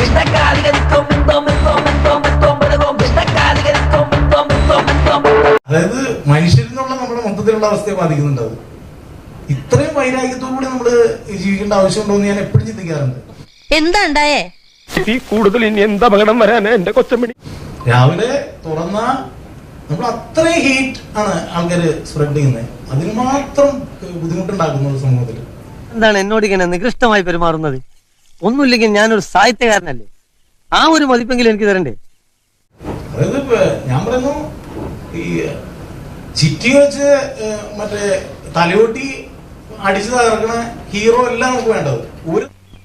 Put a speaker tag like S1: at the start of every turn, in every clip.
S1: അതായത് മനുഷ്യരിലുള്ള നമ്മുടെ മൊത്തത്തിലുള്ള അവസ്ഥയെ ബാധിക്കുന്നുണ്ട്. അത് ഇത്രയും വൈരാഗ്യത്തോടുകൂടി നമ്മള് ജീവിക്കേണ്ട ആവശ്യമുണ്ടോ എന്ന് ഞാൻ എപ്പോഴും ചിന്തിക്കാറുണ്ട്.
S2: എന്താ ഉണ്ടായേ?
S3: കൂടുതൽ ഇനി എന്താ അപകടം വരാനാ എന്റെ കൊച്ചമ്മണി.
S1: രാവിലെ തുറന്ന നമ്മൾ അത്രയും ഹീറ്റ് ആണ് ആൾക്കാര് സ്പ്രെഡ് ചെയ്യുന്നത്. അതിന് മാത്രം ബുദ്ധിമുട്ടുണ്ടാക്കുന്നത് സമൂഹത്തിൽ.
S4: എന്താണ് എന്നോട് ഇങ്ങനെ നികൃഷ്ടമായി പെരുമാറുന്നത്? ഒന്നുമില്ലെങ്കിൽ ഞാനൊരു സാഹിത്യകാരനല്ലേ, ആ ഒരു മതിപ്പെങ്കിലും എനിക്ക് തരണ്ടേ?
S1: അതായത് ഞാൻ പറയുന്നു, ഈ ചിറ്റി വെച്ച് മറ്റേ തലയോട്ടി അടിച്ചു തകർക്കണ ഹീറോ അല്ല നമുക്ക് വേണ്ടത്. ഒരു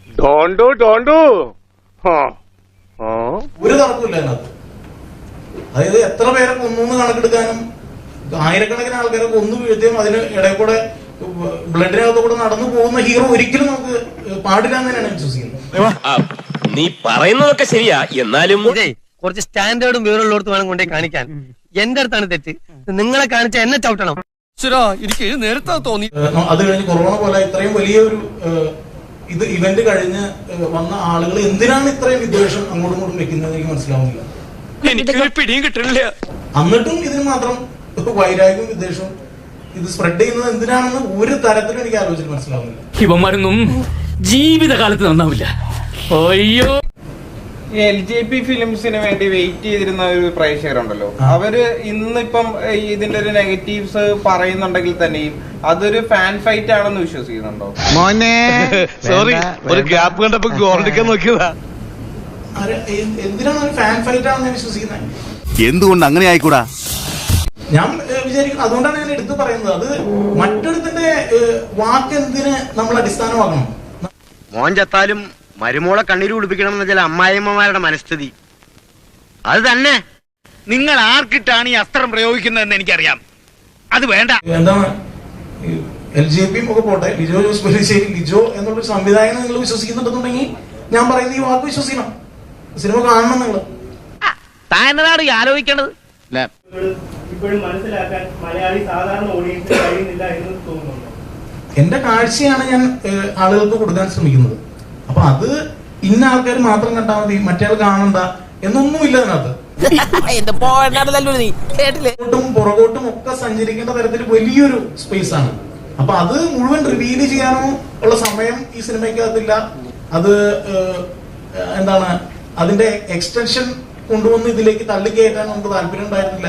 S1: തർക്കമില്ല അതിനകത്ത്. അതായത് എത്ര പേരെ കൊന്നു കണക്കെടുക്കാനും ആയിരക്കണക്കിന് ആൾക്കാരെ കൊന്നു വീഴ്ത്തിയും അതിന് ഇടയിൽ കൂടെ ബ്ലഡിനകത്ത് കൂടെ നടന്നു പോകുന്ന ഹീറോ ഒരിക്കലും നമുക്ക് പാടില്ല എന്ന് തന്നെയാണ് വിശ്വസിക്കുന്നത്.
S5: നീ പറയുന്നതൊക്കെ ശരിയാ, എന്നാലും
S4: കുറച്ച് സ്റ്റാൻഡേർഡും വിവരമുള്ളടത്ത് വേണം കൊണ്ടേ കാണിക്കാൻ. എന്റെ അടുത്താണ് തെറ്റ്. നിങ്ങളെ കാണിച്ച എന്നെ ചവിട്ടണം. എനിക്ക് നേരത്തെ തോന്നി.
S1: അത് കഴിഞ്ഞ് കൊറോണ പോലെ ഇത്രയും വലിയ ഒരു ഇത് ഇവന്റ് കഴിഞ്ഞ് വന്ന ആളുകൾ എന്തിനാണ് ഇത്രയും വിദ്വേഷം അങ്ങോട്ടും ഇങ്ങോട്ടും വെക്കുന്നത് എനിക്ക് മനസ്സിലാവുന്നില്ല.
S3: പിടിയും കിട്ടണില്ല.
S1: എന്നിട്ടും ഇതിന് മാത്രം വൈരാഗ്യവും വിദ്വേഷവും ഇത് സ്പ്രെഡ് ചെയ്യുന്നത് എന്തിനാണെന്ന് ഒരു തരത്തിലും എനിക്ക് ആലോചിച്ചിട്ട് മനസ്സിലാവുന്നില്ല.
S6: ഇവന്മാരൊന്നും ജീവിതകാലത്ത് നന്നാവില്ല. അയ്യോ,
S7: LJP ഫിലിംസിന് വേണ്ടി വെയിറ്റ് ചെയ്തിരുന്ന ഒരു പ്രേക്ഷകരുണ്ടല്ലോ, അവര് ഇന്നിപ്പം ഇതിന്റെ ഒരു നെഗറ്റീവ്സ് പറയുന്നുണ്ടെങ്കിൽ തന്നെയും അതൊരു ഫാൻ ഫൈറ്റ് ആണെന്ന് വിശ്വസിക്കുന്നുണ്ടോ?
S3: മോനെ സോറി, ഒരു ഗ്യാപ്പ് കണ്ടപ്പോ ഗോൾഡിക്കാൻ നോക്കിയതാ.
S1: എന്തിനാണ് ഒരു ഫാൻ ഫൈറ്റ് ആണെന്ന് വിശ്വസിക്കുന്നത്?
S8: എന്തുകൊണ്ട് അങ്ങനെ ആയിക്കൂടാ?
S1: ഞാൻ വിചാരിക്കുന്നു, അതുകൊണ്ടാണ് ഞാൻ എടുത്തു പറയുന്നത്. അത് മറ്റൊരുത്തിന്റെ വാക്ക് എന്തിന് നമ്മൾ അടിസ്ഥാനമാക്കണം?
S9: മോൻ ചത്താലും മരുമോളെ കണ്ണീര് കുടിപ്പിക്കണം എന്ന് വെച്ചാൽ അമ്മായിമ്മമാരുടെ മനസ്ഥിതി അത് തന്നെ. നിങ്ങൾ ആർക്കിട്ടാണ് ഈ അസ്ത്രം പ്രയോഗിക്കുന്നതെന്ന് എനിക്കറിയാം. അത് വേണ്ട.
S1: എന്താണ് LJP ഒക്കെ പോട്ടെ, ലിജോ ജോസ് പെല്ലിശ്ശേരി ലിജോ എന്നുള്ളൊരു സംവിധായകനെ നിങ്ങൾ വിശ്വസിക്കുന്നുണ്ടെന്നുണ്ടെങ്കിൽ ഞാൻ പറയുന്നത് ഈ വാക്ക് വിശ്വസിക്കണം. സിനിമ കാണണം നിങ്ങൾ.
S9: താനാണ് ഈ ആലോചിക്കേണ്ടത്.
S7: ഇപ്പോഴും മനസ്സിലാക്കാൻ മലയാളി സാധാരണ ഓഡിയൻസിന് കഴിയുന്നില്ല എന്ന് തോന്നുന്നുണ്ടോ?
S1: എന്റെ കാഴ്ചയാണ് ഞാൻ ആളുകൾക്ക് കൊടുക്കാൻ ശ്രമിക്കുന്നത്. അപ്പൊ അത് ഇന്ന ആൾക്കാർ മാത്രം കണ്ടാൽ മതി, മറ്റേ ആൾ കാണണ്ട എന്നൊന്നുമില്ല അതിനകത്ത്. പുറകോട്ടും ഒക്കെ സഞ്ചരിക്കേണ്ട തരത്തിൽ വലിയൊരു സ്പേസ് ആണ്. അപ്പൊ അത് മുഴുവൻ റിവീൽ ചെയ്യാനോ ഉള്ള സമയം ഈ സിനിമയ്ക്കകത്തില്ല. അത് എന്താണ് അതിന്റെ എക്സ്റ്റൻഷൻ കൊണ്ടുവന്ന് ഇതിലേക്ക് തള്ളിക്കയറ്റാൻ നമുക്ക് താല്പര്യം ഉണ്ടായിരുന്നില്ല.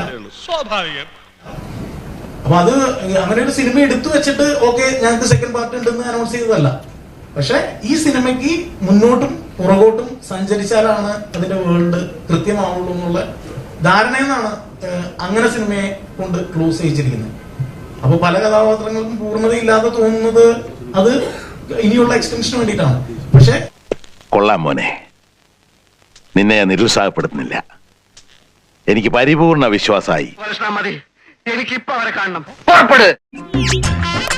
S1: അപ്പൊ അത് അങ്ങനെ ഒരു സിനിമ എടുത്തു വെച്ചിട്ട് ഓക്കെ ഞങ്ങൾക്ക് സെക്കൻഡ് പാർട്ട് ഉണ്ടെന്ന് അനൗൺസ് ചെയ്തതല്ല. പക്ഷെ ഈ സിനിമയ്ക്ക് മുന്നോട്ടും പുറകോട്ടും സഞ്ചരിച്ചാലാണ് അതിന്റെ വേൾഡ് കൃത്യമാവുള്ളൂ എന്നുള്ള ധാരണയെന്നാണ് അങ്ങനെ സിനിമയെ കൊണ്ട് ക്ലോസ് ചെയ്യിച്ചിരിക്കുന്നത്. അപ്പൊ പല കഥാപാത്രങ്ങൾക്കും പൂർണ്ണതയില്ലാതെ തോന്നുന്നത് അത് ഇനിയുള്ള എക്സ്റ്റൻഷന് വേണ്ടിയിട്ടാണ്. പക്ഷെ
S8: കൊള്ളാം മോനെ, നിന്നെ ഞാൻ നിരുത്സാഹപ്പെടുത്തുന്നില്ല. എനിക്ക് പരിപൂർണ വിശ്വാസമായി.
S9: എനിക്കിപ്പോ അവരെ കാണണം. പുറപ്പെട്.